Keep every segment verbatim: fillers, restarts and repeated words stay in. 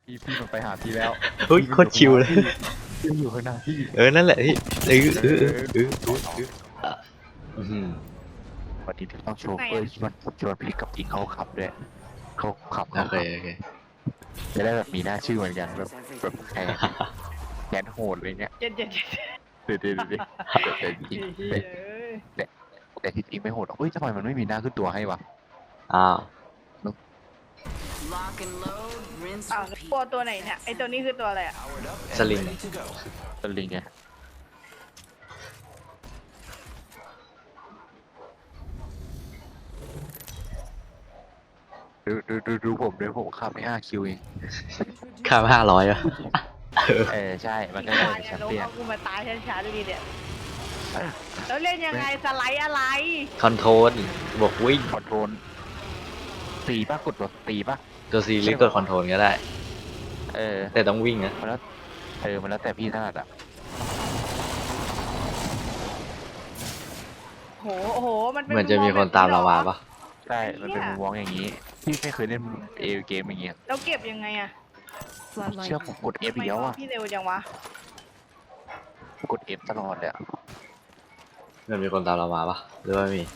พี่พี่มันไปหาพี่แล้วเฮ้ยโคตรชิวเลยพี่อยู่ข้างหน้าพี่เออนั่นแหละพี่เออเออเออเออเออเออวันนี้ต้องโชว์เฟอร์ชวนชวนพี่กับอิงเขาขับด้วยเขาขับโอเขาเคขับโอเคจะได้แบบมีหน้าชื่อเหมือนกันแบบแบบแทนแทนโหดเลยเนี่ยเจ็ดเจ็ดเจ็ดเดี๋ยวเดี๋ยวเดี๋ยวแต่จริงแต่แต่แต่ที่จริงไม่โหดหรอกเฮ้ยทำไมมันไม่มีหน้าขึ้นตัวให้วะอ้าว Lock and load, rinse, อ้าว repeat. ตัวตัวไหนเนี่ยไอตัวนี้คือตัวอะไรอ่ะสลิงสลิงไงดูดูดูดูผมเลยผมขับไม่ห้าคิวเองค่าห้าร้อยอ่ะเออใช่มันก็ตาได้ยแชเนี่ยมลงเปี้ยนเอากูมาตายช้าๆดูดิเนี่ยแล้วเล่นยังไงสไลด์อะไรคอนโทรลบวกวิ่งคอนโทรลตีป่ะกดตัวตีป่ะตัวซีหรือกดคอนโทรลก็ได้เออแต่ต้องวิ่งนะมันแล้วเออมันแล้วแต่พี่ถนัดอ่ะโหโอ้โหมันเป็นเหมือนจะมีคนตามเรามาปะใช่มันเป็นมุมมองอย่างนี้พี่ไม่เคยเล่นเอเกมอย่างเงี้ยแล้วเก็บยังไงอะเชื่อผมกด F ทำไมเดียวบออ่ะกพี่เร็วจังวะกด F ตลอดเลยอะเหมือนมีคนตามเรามาปะหรือว่ามี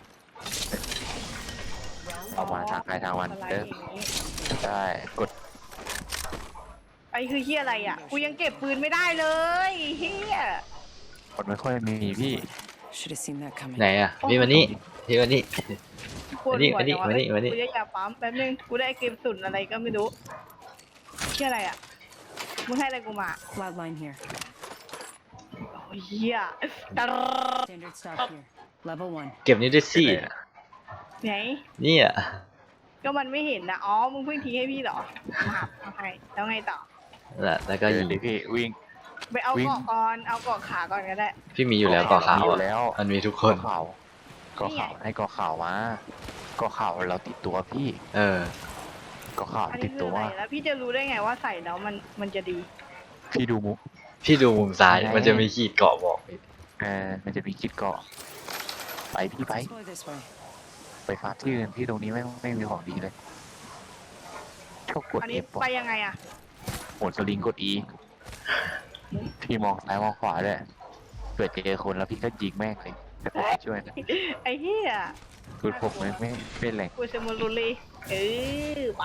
เอามาทางใครทางมันสไลเด้อด์อย่างนี้ใช่กดไอคือเฮียอะไรอ่ะกูยังเก็บปืนไม่ได้เลยเฮียกดไม่ค่อยมีพี่ Should have seen that coming. ไหนอ่ะพี่มานี่พี่มานี่ปวดหัวจังวะมานี่มานี่มานี่กูจะอยากปั๊มแป๊บนึงกูได้เกมสุนอะไรก็ไม่รู้เฮียอะไรอ่ะมึงให้อะไรกูมา Cloudline here. โอ้ยเฮียตร Standard stock here. Level one. เก็บนี่ด้วยสิไหนนี่อ่ะก็มันไม่เห็นนะอ๋อมึงเพิ่งทิ้งให้พี่เหรอมาเอาให้แล้วไงต่อนั่นแหละแล้วก็เดิยินงดิพี่วิ่งไปเอาวิ่งเกาะก่อนเอาเกาะขาก่อนก็ได้พี่มีอยู่แล้วก่อขาวมีอยู่อ่ะแล้วมันมีทุกคก่อน ข่าวก่อนี่ไงข่าวให้ก่อข่าวมาก่อข่าวเราติดตัวพี่เออก่อข่าวอันตินี้ดคือตัวอะไรแล้วพี่จะรู้ได้ไงว่าใส่แล้วมันมันจะดีพี่ดูมุกพี่ดูมุมซ้ายไหนมันจะมีขีดเกาะบอกพี่เออมันจะมีคิดเกาะไปพี่ไป Let's go this way. ไปฟาร์มที่อื่นที่ตรงนี้ไม่ไม่มีของดีเลยชอบกดอันเอนี้ฟไปยังไงอะโหดสลิงกด E พี่มองซ้ายมองขวาด้วยเผื่อเจอคนแล้วพี่ก็ยิงแม่งเลยแต่ผมไม่ช่วยนะไอ้เหี้ยคือผมไม่ไม่เป็นไรกูสมุรุลีเออไป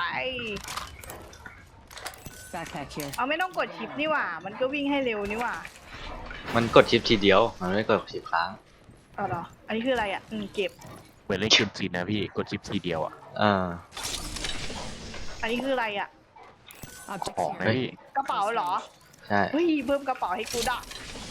Backpack here. เอาไม่ต้องกดชิปนี่หว่า มันก็วิ่งให้เร็วนี่หว่ามันกดชิปทีเดียวมันไม่กดชิปค้างเอาเหรออันนี้คืออะไรอ่ะอืมเก็บเหมือนเล่นเกมจีนนะพี่กดชิปทีเดียวอ่ะเอออันนี้คืออะไรอ่ะ Objects ของนะ here. พี่กระเป๋าเหรอใช่เฮ้ยเพิ่มกระเป๋าให้กูด่ะ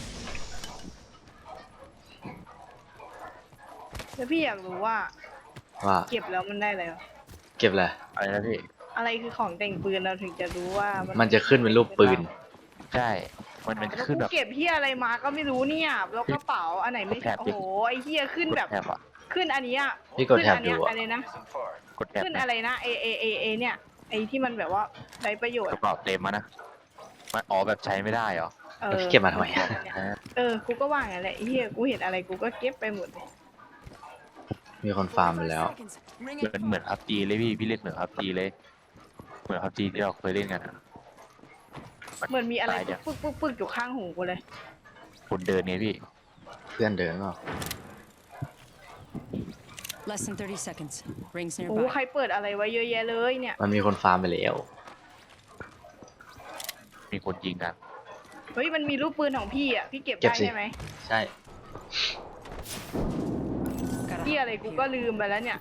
แล้วพี่อยากรู้ว่าว่าเก็บแล้วมันได้อะไรวะเก็บอะไรอะไรนะพี่อะไรคือของแต่งปืนเราถึงจะรู้ว่ามัมันจะขึ้นเป็นรูปปืนใช่มันมันจะแล้วขึ้นกูแบบเก็บเฮียอะไรมาก็ไม่รู้เนี่ยแล้วกระเป๋าอันไหนไม่กดแท็บดิโอ้โหไอ้เฮียขึ้นกดแบบแท็บอ่ะขึ้นอันนี้อ่ะพี่กดแท็บขึ้นอันเนี้ยดูอะอะไรนะกดแท็บขึ้นนะอะไรนะเอเอเอเอเนี่ยไอที่มันแบบว่าใช้ประโยชกน์ระเป๋าเต็มมานะมันอ๋อแบบใช้ไม่ได้เหรอเอแล้วอพี่เก็บมาทำไมอะฮะเออกูก็ว่างั้นแหละไอ้เฮียกูเห็นอะไรกูก็เก็บไปหมดเลยมีคนฟาร์มไปแล้ว Seconds. Ring เหมือนเหมือนพับจีเลยพี่พี่เล่นเหมือนพับจีเลย เหมือนพับจีที่เราเคยเล่นกันอะเหมือนมีอะไรตายเดี๋ยวปึ๊กปึ๊กปึ๊กอยู่ข้างหูกูเลยคนเดินเนี่ยพี่เพื่อนเดินเปล่า Less than thirty seconds. Rings โอ้ใคร nearby. เปิดอะไรไว้เยอะแยะเลยเนี่ยมันมีคนฟาร์มไปแล้วมีคนยิงกันเฮ้ยมันมีรูปปืนของพี่อ่ะพี่เก็บเก็บได้สิใช่ไหมใช่ Got a พี่อะไร hop กู here. ก็ลืมไปแล้วเนี่ย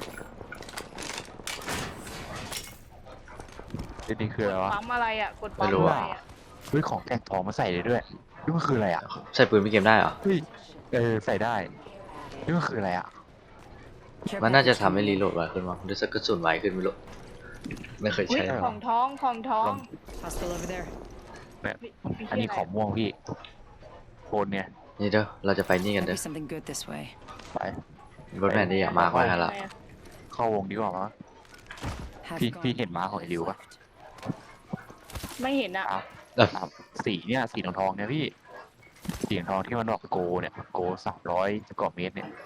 นี่คืออะไรวะปั๊มอะไรอ่ะกดปั๊มไม่รู้อะไรอะอ่ะเฮ้ยของแต่งทองมาใส่เลยด้วยนี่มันคืออะไรอ่ะใส่ปืนพี่เกมได้เหรอเฮ้ยเออใส่ได้นี่มันคืออะไรอ่ะ Care มันน่าจะ package ทำให้ here. รีโหลดไวขึ้นมั้งหรือสักกระสุนไวขึ้นไม่รู้ ไม่เคยอุ้ยใช้ได้เหรของท้องของท้อง Hostile over there. แบบพี่อันนี้พี่ของม่วงพี่โคนเนี่ยนี่เด้อเราจะไปนี่กัน Might เด้ be อ something good this way. ไปรถแมนที่อยากมากไว้ให้ละเข้าวงดีกว่ามั้ง Have Phi- gone. Phi hiện má khỏi What is liều quá. left? ไม่เห็นอ่ะอ่ะเออสามสีเนี่ยสีทองทองๆเนี่ยพี่สีทองที่มันบอกโกเนี่ยโกสามร้อยกว่าเมตรเนี่ย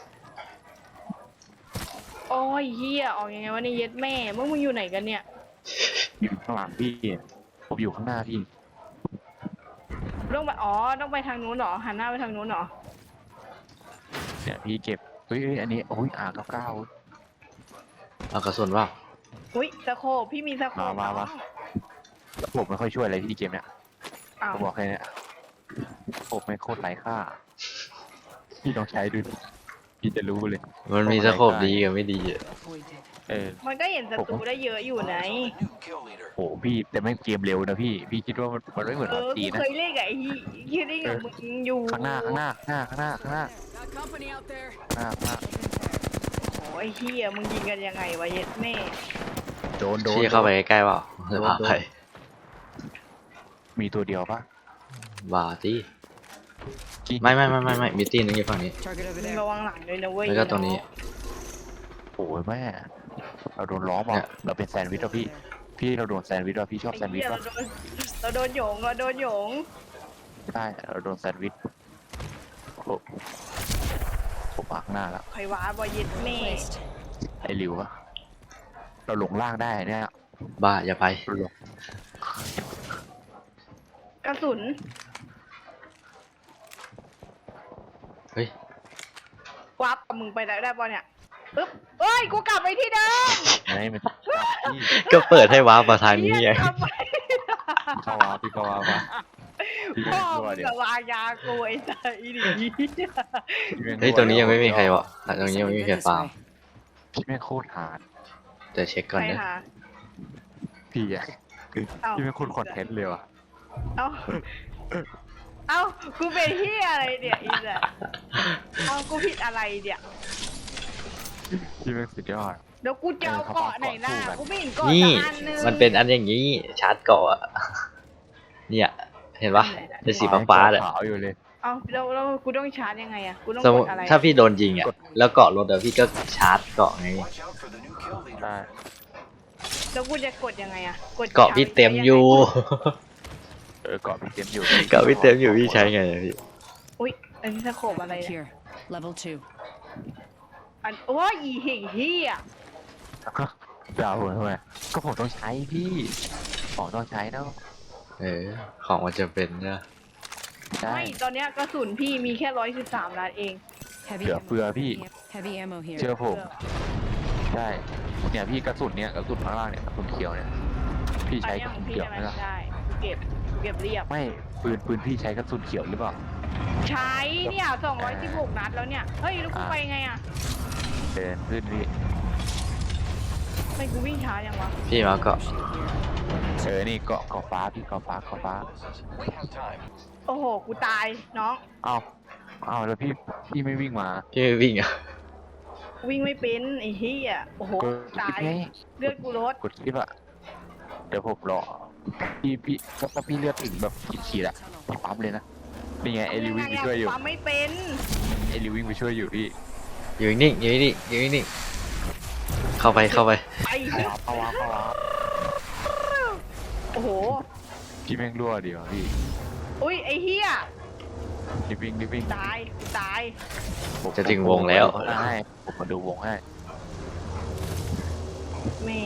โอ้ยเฮียออกยังไงวะเนี่ยเย็ดแม่มึงมึงอยู่ไหนกันเนี่ยอยู่ข้างหลังพี่ผมอยู่ข้างหน้าพี่ต้องไปอ๋อต้องไปทางนู้นเหรอหันหน้าไปทางนู้นเหรอเนี่ยพี่เก็บเฮ้ยเฮ้ยอันนี้โอ้ยอาร์เก้าเก้าเอากระสุนว่าอุ้ยสโคปพี่มีสโคปมามามา ผมไม่ค่อยช่วยอะไรพี่เกมเนี่ยอ้าวผมบอกแค่เนี้ยผมไม่โคตรไร้ค่า พี่ต้องใช้ดูดิพี่จะรู้เลยมันมีสโคปดีกับไม่ดีอะ Avoided. เออมันก็เห็นศัตรูได้เยอะอยู่ไหนโหพี่แต่ไม่เกมเร็วนะพี่ พี่คิดว่ามันมันไม่เหมือนเอพับอจีกูนะเคยเล่นกับไอ้ที่ที่เล่นกับมึงอยู่ข้างหน้าข้างหน้าข้างหน้าข้างหน้าข้างหน้า Got company out there. ข้างหน้าข้างหน้าโอ้ยเฮียมึงยิงกันยังไงวะเย็ดแม่โดนโดนชี้เข้าไปใกล้ๆเปล่าจะพาไปมีตัวเดียวปะบาตีจริงไม่ไม่ไม่ไม่ไม่มีตีนึงอยู่ฝั่งนี้ Target over มึง there. ระวังหลังด้วยนะเว้ยแล้วก็ตรงนี้โอ้ยแม่เราโดนล้อมเนี่อ่ะยเราเป็นแซนด์วิชอ่ะพี่ พี่เราโดนแซนด์วิชอ่ะพี่ชอบไอ้แซนด์วิชเหี้ยป่ะเราโดนเราโดนโยงเราโดนโยงใช่เราโดนแซนด์วิชโอ้โหผมมาข้างหน้าแล้วใครว้าบอเย็ดแม่ Placed. ไอ้หลิวอะเราหลงล่างได้เนี่ยบ้าอย่าไปเราหลงกระสุนเฮ้ยวับกับมึงไปได้ได้ปะเนี่ยปึ๊บเอ้ยกูกลับไปที่เดิมไงมันพี่ก็เปิดให้ว้าร์ปมาทางนี้ไงเหี้ยกลับไปเข้าวาพี่เข้าวาปะพี่พ่อแม่งรั่วมึงเดี๋ยกัวบวางยากูไอ้สัสอีนี่พี่แม่เฮ้ยตรงนี้ยังไม่มีใครวะตรงนี้ยังไม่มีใคร This ฟาร์ม way. พี่แม่งโคตรหาดจะเช็คก่อนใครนะหาพี่อะคือเอ้าพี่แม่งโคตรคอนเทนต์เลยว่ะเอ้า เอ้า กูเป็นเฮียอะไรเนี่ยอีสัสเอ้า กูผิดอะไรเนี่ยพี่แม่งสุดยอดเดี๋ยวกูจะเอาเกาะไหนหน้า กูไม่เห็นเกาะนี่สักอันนึงมันเป็นอันอย่างนี้ชาร์จเกาะอะเนี่ย เห็นปะเป็นสีฟ้าๆเลยขาวอยู่เลยเอ้าแล้วแล้วกูต้องชาร์จยังไงอะกูต้องสมกมดติอะไรถ้าพี่โดนยิงอ่ะ แล้วเกาะรถอะพี่ก็ชาร์จเกาะไงได้แล้วกูจะกดยังไงอะกดเกาะพี่เต็มอยู่เออเกาะพี่เต็มอยู่เกาะพี่เต็มอยู่พี่ใช้ไงอะพี่อุ้ย อันนี้สโคปอะไรเนี่ย Here. Level two. อันโอ้ยอีเหี้ยเฮียจะเอาทำไมก็ผมต้องใช้พี่ของต้องใช้เนาะเออ ของมันจะเป็นนะใช่ไม่ ตอนเนี้ยกระสุนพี่มีแค่ร้อยสิบสามนัดเอง Heavy เหลือ ammo. เฟือพี่ Heavy ammo here. เชื่อผม ใช่เนี่ยพี่กระสุนเนี่ยกระสุนข้างล่างเนี่ยกระสุนเขียวเนี่ย พี่อันใช้เนี้กยระขสุองนพี่เขียวได้ไหไหมมล่ะได้กูเก็บกูเก็บเรียบไม่ปืนปืนพี่ใช้กระสุนเขียวหรือเปล่าใช้เนี่ยสองร้อยสิบหกนัดแล้วเนี่ย เฮ้ย แล้วกูอ่าไปไงอะเดินขึ้นพี่ไม่กูวิ่งช้ายังวะพี่มาเกาะเออนี่เกาะเกาะฟ้าพี่เกาะฟ้าเกาะฟ้าโอ้โห กูตายน้องเอ้าเอ้าแล้วพี่พี่ไม่วิ่งมาพี่ไม่วิ่งอ่ะวิ่งไม่เป็นไอ้เหี้ยโอ้โหกดตาคลิปยไงเลือดกูลดกดคลิปอะเดี๋ยวผมรอพี่พี่ถ้าพี่เลือดถึงแบบขีดๆอะพี่ปั๊มเลยนะนี่ไงเอลิวิ่งไปช่วยอยู่ปั๊มไม่เป็นเอลิวิ่งไปช่วยอยู่พี่อยู่นิ่งอยู่นิ่งอยู่นิ่งเข้าไปเข้าไปไปเข้าวาเข้าวาเข้าวาโอ้โหพี่แม่งรั่วเดียวพี่อุ้ย ไอ้เหี้ยรีบวิ่งรีบวิ่งตายกูตายผมจะถึงวงแล้วผมมาดูให้ผมมาดูวงให้แม่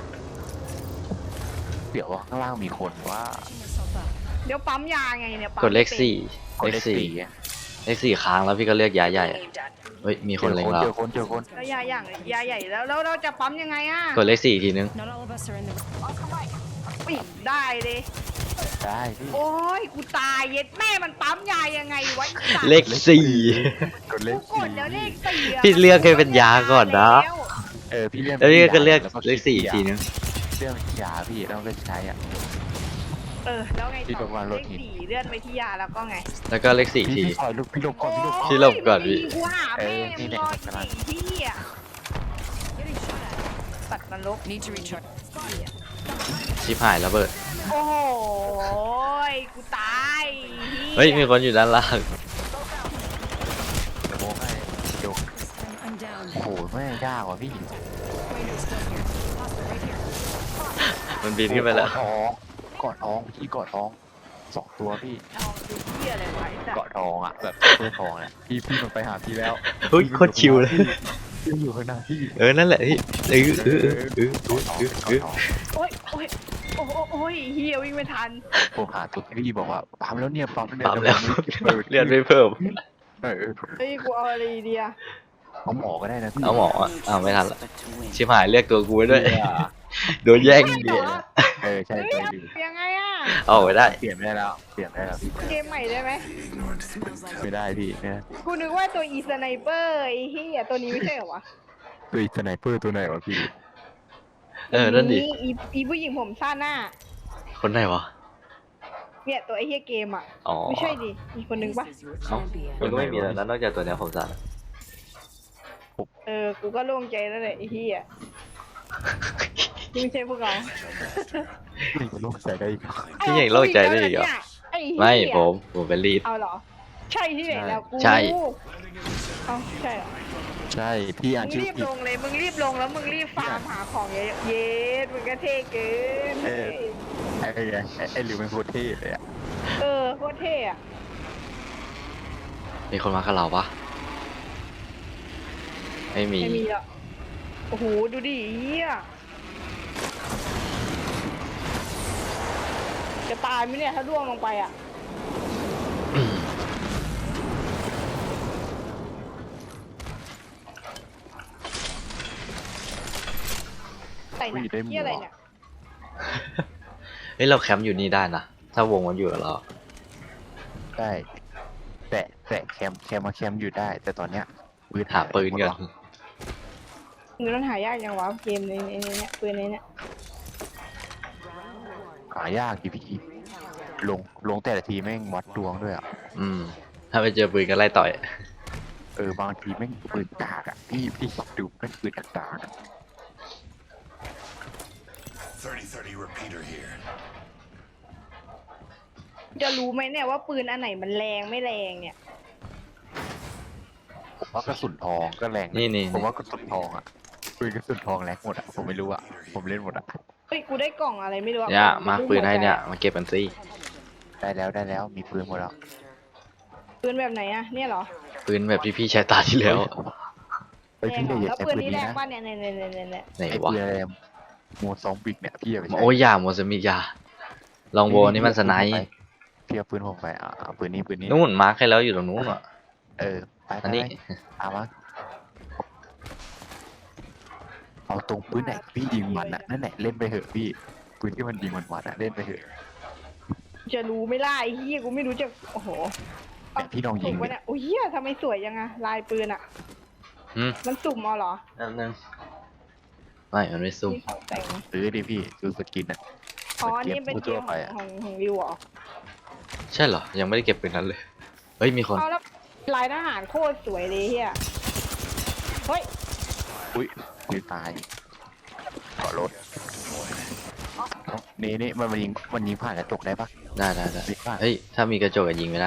เดี๋ยวว่าข้างล่างมีคนว่า Yourself up. เดี๋ยวปั๊มยาไงเนี่ยปั๊มกดเลขไม่ป็นสี่กดเลเลขขสี่สี่อะเลขสี่ค้างแล้วพี่ก็เลือกยาใหญ่อะเฮ้ยมีคนเล็งเราเจอคนเจอคนแล้วยาอย่างยาใหญ่แล้วแล้วเราจะปั๊มยังไงอะกดเลขสี่อีกทีนึง Not all of us are in the. ปิดได้เลยได้พี่โอ้ยกูตายเย็ดแม่มันปั๊มยายังไงวะไอ้สัตว์เลขสี่กดเลกูขกสี่ดแล้วเลขสี่ะพี่เลือกให้เป็นยาก่อนนะแล้วเออพี่เลื่อนแล้วพี่ก็เลือกแวเลขสี่อีกทีนึงเลื่อนไปที่ยาพี่ต้องเลือกใช้อ่ะเออแล้วไงพี่ต่บอกว่าอรเลถขหินสี่เลื่อนไปที่ยาแล้วก็ไงแล้วก็เลขสี่พี่ทีพี่คอยลุกพี่หลบก่อนพี่หลบก่อนพี่หลบก่อนพี่โยกูหาเอแม่อนี่งเนี่ยรอกำลังสี่ที่อ่ะ Getting shot at. ตัดนรก Need to recharge. ชิบหายระเบิดโอ้โหยกูตายเฮ้ยมีคนอยู่ด้านล่างเดี๋ยวโมให้เดี๋ยว I'm, I'm down. โอ้โหแม่งยากว่ะพี่ Wayne's still here. Hostile right here. มันบินขึ้นไปแล้วเกาะท้องเกาะท้องพี่เกาะท้องสองตัวพี่เอาดูเหี้ยอะไรไว้สัตเกาะว์ทองอ่ะแบบเสื้อทองเนี่ยพี่พี่มันไปหาพี่แล้วเฮ้ยโคตรชิวเลยพี่อยู่ข้างหน้าพี่เออนั่นแหละพี่เออเออเออเออเออเออโอ้ยโอ้ยโอ้โหโอ้ยเฮียวิ่งไม่ทันผมหาตัวพี่บอกว่าปั๊มแล้วเนี่ยปั๊มแล้วเนี่ยปั๊มแล้วเปิดเลือดไม่เพิ่มเออเฮ้ยกูเอาอะไรดีอะเอาหมอก็ได้นะพี่เอาหมออ่ะอ้าวไม่ทันละชิบหายเรียกตัวกูไว้ด้วยโดนแย่งไม่เดีแต่ยว่าเออใช่เฮ้ยใช่เอาดิยังไงอะเอาไว้ได้เปลี่ยนไม่ได้แล้วเปลี่ยนไม่ได้แล้วพี่เกมใหม่ได้ไหมไม่ได้พี่เนี่ยกูนึกว่าตัวอีสไนเปอร์ไอ้เฮียตัวนี้ไม่ใช่เหรอวะตัวอีสไนเปอร์ตัวไหนวะพี่เออนั่นดิอีอีผู้หญิงผมสั้นหน้าคนไหนวะเนี่ยตัวไอ้เฮียเกมอ่ะอ๋อไม่ใช่ดิมีคนนึงปะ This is your เอ้า champion. มันก็ไม่มีแล้วนะนอกจากตัวเนี้ยผมสั่นเออกูก็โล่งใจแล้วแหละไอ้เฮียนี่ไม่ใช่พวกเรานี่มันโลกใส่ได้อีกเหรอพี่ยังโล่งใจได้อีกเหรอไอ้เหี้ยไม่ผมผมเป็นลีดเอาเหรอ ใช่ที่ไหนแล้วกูใช่เอาใช่เหรอใช่พี่อ่านมึงชื่อรีบผิดลงเลยมึงรีบลงแล้วมึงรีบฟาร์มหาของเยอะๆเย็ดมึงก็เท่เกินเออ ไอ้ไงไอ้ไอ้หลิวเป็นโคตรเท่เลยอ่ะเออโคตรเท่อะมีคนมากับเราปะไม่มีไม่มีหรอกโอ้โหดูดิเฮียจะตายไหมเนี่ยถ้าร่วงลงไปอ่ะ ใส่หนักที่อะไรเนี่ยเฮ้ยเราแคมป์อยู่นี่ได้นะถ้าวงมันอยู่กับเราได้แต่แต่แคมแคมมาแคมอยู่ได้ แต่ตอนเนี้ยปืนหาปืนกันมือมันหายากยังวะเกมในในในเนี้ยปืนในเนี้ยหายากทีพี่ลงลงแต่ละทีแม่งวัดดวงด้วยอ่ะอืม ถ้าไปเจอปืนก็ไล่ต่อยเออบางทีแม่งปืนกากอ่ะพี่พี่ดูแม่งปืนกากๆอะ thirty thirty repeater here. จะรู้ไหมเนี่ยว่าปืนอันไหนมันแรงไม่แรงเนี่ยผมว่ากระสุนทองก็แรงะนี่นี่ผมว่ากระสุนทองอ่ะปืนกระสุนทองแรงหมดอ่ะผมไม่รู้อ่ะผมเล่นหมดอ่ะเฮ้ยกูได้กล่องอะไรไม่รู้อะเนี่ยกล่องมาปืนให้เนี่ยมาเก็บกันสิได้แล้วได้แล้วมีปืนหมดแล้วปืนแบบไหนอะเนี่ยเหรอปืนแบบที่พี่ใช้ตาที่แล้วเฮ้ยแรพี่งอเหรย่าออย่าแล้วใช้ปืนปืนนี้นี้แรงนะป่ะเนี่ยเนี่ยเนี่ยเนี่ยเนี่ยไหนไอ้วะปืนอะไรโมซองบิกเนี่ยพี่อย่าไปใช้โอ้ยอย่าโมซามิกอยาลองโวนี่มันสไนป์พี่เอาปืนผมไปอ่ะเอาปืนนี้ปืนนี้นู่นมาร์คให้แล้วอยู่ตรงนู้นอ่ะเออไปไปอันนี้ไปเอามาเอาตรงปืนไหนพี่ยิงมันอ่ะนั่นแหละเล่นไปเหอะพี่ปืนที่มันยิงมันมันอ่ะเล่นไปเหอะจะรู้ไม่ล่ะไอ้เหี้ยกูไม่รู้จะโอ้โหแต่พี่ลองยิสุ่งมดิวะเนี่ยโอ้ยเหี้ยทำไมสวยยังอะลายปืนอะอืมมันสุ่มเอาเหรอนั่นนึงไม่มันไม่ซุ่มที่เขาแต่งซื้อดิพี่ซื้อสกินอ่ะอ๋ออันนี่เป็นเกมทั่วขไปองอะของของวิวเหรอใช่เหรอ ยังไม่ได้เก็บปืนนั้นเลย เฮ้ยมีคนเอาแล้วลายทหารโคตรสวยเลยเฮียเฮ้ยอุ้ยนี่ตายเกาะรถนี่นี่มันมันยิงมันยิงผ่านกระจกได้ปะได้ได้ได้ยิงผ่านเฮ้ยถ้ามีกระจกอะยิงไม่ได้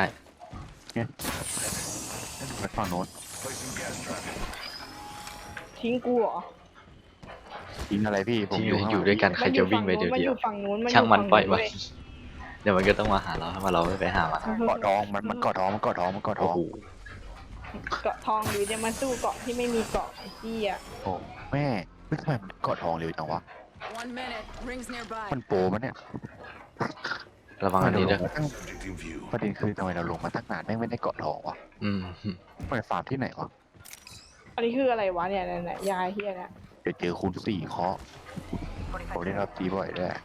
ไปฝั่งโน้น Placing gas trap. ทิ้งกูเหรอยิงอะไรพี่ผมที่อยู่ข้างหอยู่ลังด้วยกันใครจะวิ่งไปเดียวมันเดีอยวยู่ฝั่งนู้นมันอยู่ช่างมันฝั่ปล่อยนู้มันเว้ยเดี๋ยวมันก็ต้องมาหาเราถ้ามาเราไม่ไปหามันเกาะทองมันมันเกาะทองมันเกาะทองมันเกาะทโอ้องโหเกาะทองหรือจะมาสู้เกาะที่ไม่มีเกาะไอ้เหี้ยโอ้แม่ไม่ทำไมมันเกาะทองเร็วจังวะ One minute. Rings nearby. มันโปรมันเนี่ยระวังอันนี้ด้วยเราลงมาตั้ง Predicting view. ประเด็นคือทำไมเราลงมาตั้งนานแม่งไม่ได้เกาะทองวะอืมมันฟาร์มที่ไหนวะอันนี้คืออะไรวะเนี่ยเนี่ยเนี่ยยายเหี้ยเนี่ยเดี๋ยวเจอคูณสี่เคาะผมเล่นรับจีบ่อยด้วย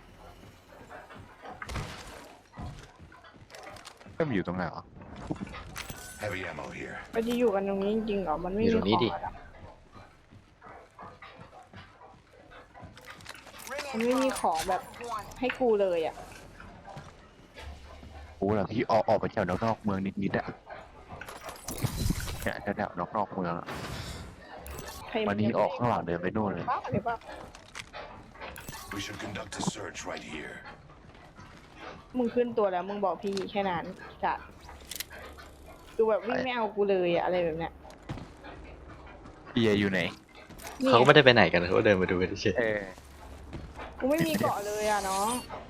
ก็มันอยู่ตรงไหนวะ Heavy ammo here. มันจะอยู่กันตรงนี้จริงๆเหรอมันไม่อยู่มีตรงนี้ของดิอะมันไม่มีของแบบให้กูเลยอ่ะโอ้เหรอพี่ออกออกไปแถวนอกๆเมืองนิดๆอะเนี่ยแถวๆนอกๆเมืองอะใครวันนี้ออกข้างหลังเดินไปนู่นเลยบ้าหรือเปล่า We should conduct a search right here. มึงขึ้นตัวแล้วมึงบอกพี่แค่นั้นจ้ะดูแบบวิ่งไม่เอากูเลยอะอะไรแบบเนี้ยพี่อยู่ไหนนี่เขาก็ไม่ได้ไปไหนกันเขาก็เดินมาดูกันเฉยเออกูไม่มีเกาะเลยอ่ะน้อง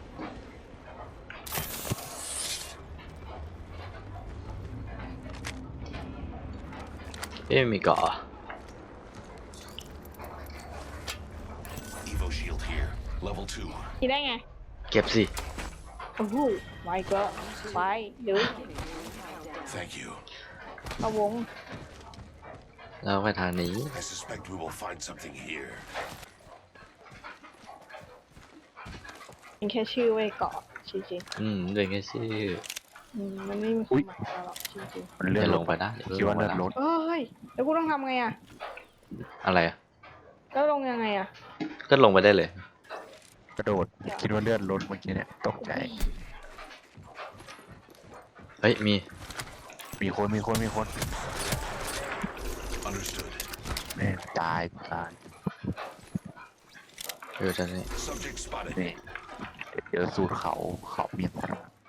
เอ๊ะมีเกาะเหรอ Evo shield here. Level two. มีได้ไงเก็บสิโอ้โหไว้ก็ไปเดี๋ยว Thank you. เอาวงแล้วไปทางนี้ I suspect we will find something here. เป็นแค่ชื่อไว้เกาะจริงอืมเดินแค่ชื่อๆอืมมันไม่มีความหมายอะไรหรอกจริงมันอเลื่อนย่าลลงงไปนะอย่าคิดว่าลเลื่งอนไปรนะถๆเอ้ยแล้วกูต้องทำไงอ่ะอะไรอะแล้วลงยังไงอ่ะก็ลงไปได้เลยกระโดดคิดว่าเลื่อนรถเมื่อกี้เนี่ยตกใจเฮ้ยมีมีคนมีคนมีคน Understood. แม่งตายตายเออจะนี่ Subject spotted. นี่เจอสูตรเขาเขาเมียนมา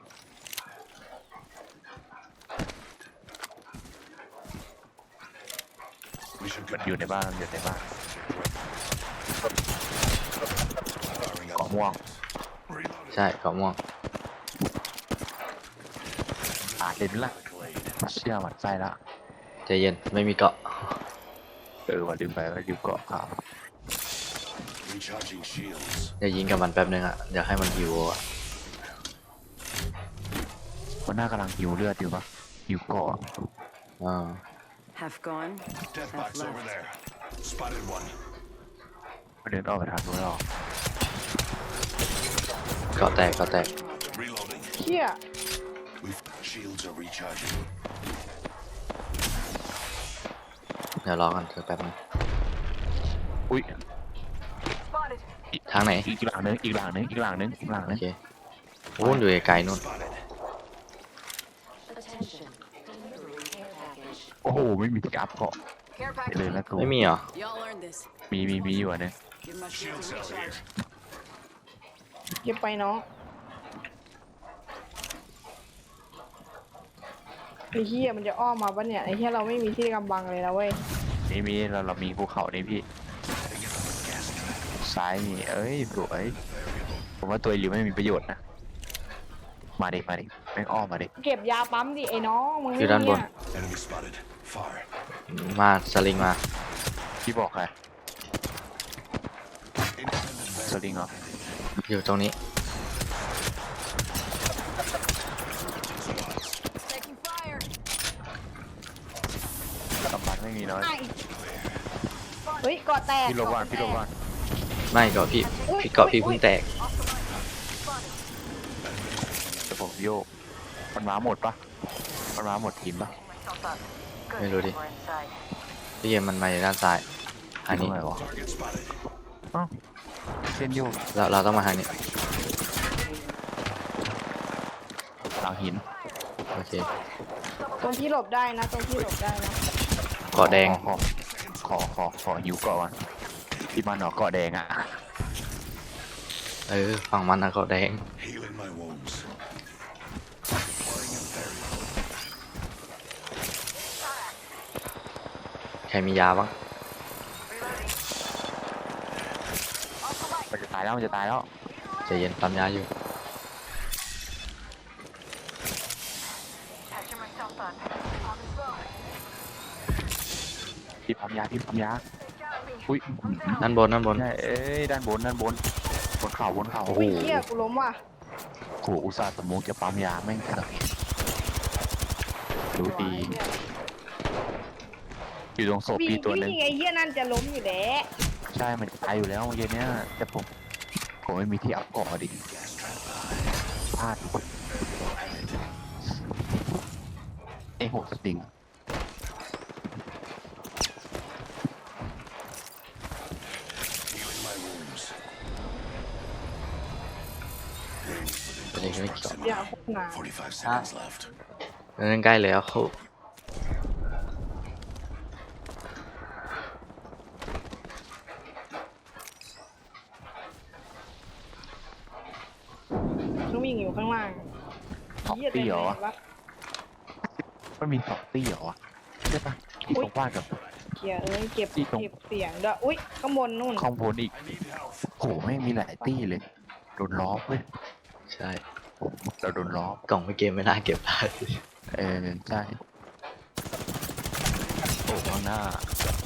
We should มัน conduct อยู่ในบ้านมันอยู่ในบ้าน firing เกาะ up. ม่วง Reloading. ใช่เกาะม่วงอาจเล่นละเชื่อมันไส้ละใจเย็นไม่มีเกาะเออว่าลืมไปว่าลืมเกาะขาว Recharging shields. เดี๋ยวยิงกับมันแป๊บนึงอ่ะเดี๋ยวให้มันหิวอ่ะมันน่ากำลังหิวเลือดอยู่ปะหิวเกาะอ่า Half gone, Death half box over left. there. Spotted one. มันเดินออกไปทางนู้นหรอกเกาะแตกเกาะแตก Reloading. เชี่ย We've shields are recharging. เดี๋ยวรอกันเดี๋ยวแป๊บนึงอุ้ยทางไหนอีกหลังนึงอีกหลังนึงอีกหลังนึงอีกหลังโอนึงเคโอ้ยอยู่ไกลๆนู่น Spotted. Attention. Delivery care package. โอ้โหไม่มีที่อัพเกาะ Care ไป package. เลยนะกูไม่มีเหรอ Y'all earned this. มีมีมีอยู่อันนึง Give my Shield shields a cell here. recharge. เก็บไปน้องไอ้เหี้ยมันจะอ้อมมาปะเนี่ยไอ้เหี้ยเราไม่มีที่กำบังเลยนะเว้ยนี่มีเราเรามีภูเขานี่พี่ ซ้ายนี่เอ้ยสวยผมว่าตัวริวไม่มีประโยชน์นะ มาดิมาดิแม่งอ้อมมาดิเก็บยาปั๊มดิไอ้น้องมึงอยู่ไม่ด้านบมีนอ่ะ Enemy spotted. Far. มาสลิงมาพี่บอกใคร Independent สลิงเหรออยู่ตรงนี้ Taking fire. กำบังไม่มีน้อยไอ้เฮ้ยเกาะแตกพี่ลบว่านพี่ลบว่านไม่เกาะพี่พี่เกาะพี่เพิ่งแตกแต่ผมโยก มันมาหมดปะมันมาหมดทีมปะไม่รู้ดิพี่เกมมันมาอยู่ด้านซ้ายอันตรนี้งไหนวะ target spotted. อ้าวเส้นโยกเราเราต้องมาทางนี้หลังหินโอเคตรงที่หลบได้นะตรงที่หลบได้นะเกาะแดงขอขอขอขอหิวเกาะก่อนพี่มันเหรอเกาะแดงอ่ะเออฝั่งมันนะเกาะแดง Healing my wounds. Deploying inferior. ใครมียาบ้างมันจะตายแล้วมันจะตายแล้วใจเย็นปั๊มยาอยู่พี่พัมยาพี่พัมยาอุ้ยด้านบนด้านบนใช่เอ้ยด้านบนด้านบนบนเขาบนเขาโอ้โหอุ้ยเหี้ยกูล้มว่ะโหอุตส่าห์สมุกจะปั๊มยาแม่งเถอะรู้ดี อยู่ตรงศพวิ่งพี่ตัวหนึงวิ่งไอ้เหี้ยนั่นจะล้มอยู่แล้วใช่มันตายอยู่แล้วเมื่อกี้เนี้ยแต่ผมผมไม่มีที่อัพเกาะดิพลาดไอ้หกสติง Healing my wounds. Rings within เป็นยัง close ไม่เกี่ยว proximity. อย่าพูดนาน Forty-five seconds left. เดินใกล้แล้วเขาต้องวิ่งอยู่ข้างล่างสองเหี้ยตีเต็มเหรอเลวะยวะมันมีสองตีเหรอวะใช่ปะที่ตรงบ้านกับเกียเอ้ยเก็บที่ตรงเก็บเสียงด้วยอุ้ยข้างบนนู่นข้างบนอีก I need health. โหไม่งมีหลายตีเลยโดนล้อมเว้ยใช่เราโดนล้อมกล่องไม่เกมไม่น่าเก็บได้เออใช่โอ้ข้างหน้า